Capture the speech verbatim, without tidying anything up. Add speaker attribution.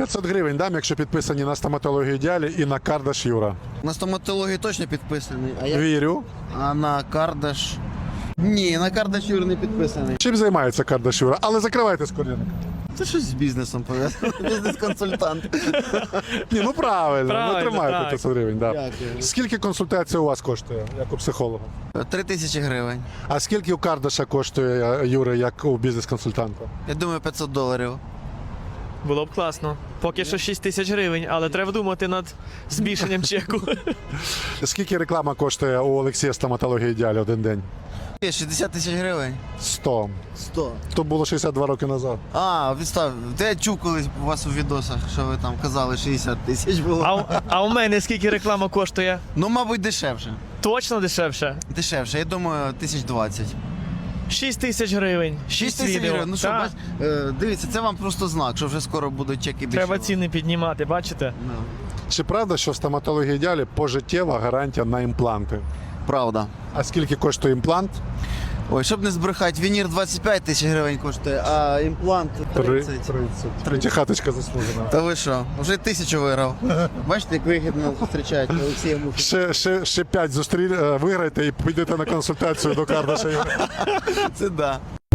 Speaker 1: п'ятсот гривень дам, якщо підписані на стоматологію ідеалі і на Кардаш Юра.
Speaker 2: На стоматологію точно підписаний, а, я...
Speaker 1: Вірю.
Speaker 2: а на Кардаш... Ні, на Кардаш Юр не підписаний.
Speaker 1: Чим займається Кардаш Юра? Але закривайте скорінник.
Speaker 2: Це щось з бізнесом пов'язано. Бізнес-консультант.
Speaker 1: Ні, ну правильно,
Speaker 3: Правильно,
Speaker 1: ну тримайте
Speaker 3: так.
Speaker 1: п'ятсот гривень. Да.
Speaker 2: Дякую.
Speaker 1: Скільки консультація у вас коштує, як у психолога?
Speaker 2: Три тисячі гривень.
Speaker 1: А скільки у Кардаша коштує Юри, як у бізнес-консультанта?
Speaker 2: Я думаю, п'ятсот доларів.
Speaker 3: Було б класно. Поки що шість тисяч гривень, але треба думати над збільшенням чеку.
Speaker 1: Скільки реклама коштує у Олексія стоматології ідеалі один день?
Speaker 2: Є шістдесят тисяч гривень.
Speaker 1: сто.
Speaker 2: сто.
Speaker 1: То було шістдесят два роки назад.
Speaker 2: А, відстав. Де я чув колись у вас у відосах, що ви там казали, шістдесят тисяч було.
Speaker 3: А, у- а у мене скільки реклама коштує?
Speaker 2: Ну, мабуть, дешевше.
Speaker 3: Точно дешевше?
Speaker 2: Дешевше, я думаю, тисяч двадцять.
Speaker 3: шість тисяч гривень.
Speaker 2: шість тисяч
Speaker 3: відео.
Speaker 2: гривень. Ну що,
Speaker 3: Так.
Speaker 2: бач, е, дивіться, це вам просто знак, що вже скоро будуть чеки більше.
Speaker 3: Треба ціни піднімати, бачите?
Speaker 2: Ну,
Speaker 1: Чи правда, що в стоматології ідеалі пожиттєва гарантія на імпланти?
Speaker 2: правда.
Speaker 1: А скільки коштує імплант?
Speaker 2: Ой, щоб не збрехати, вінір двадцять п'ять тисяч гривень коштує, а імплант тридцять.
Speaker 1: тридцять. Хаточка заслужена.
Speaker 2: Та ви що, вже тисячу виграв. Бачите, як вигідно зустрічають Олексія Мухи.
Speaker 1: Ще, ще, ще п'ять зустрі... е, виграйте і підете на консультацію до Кардаша Юри.
Speaker 2: Це да.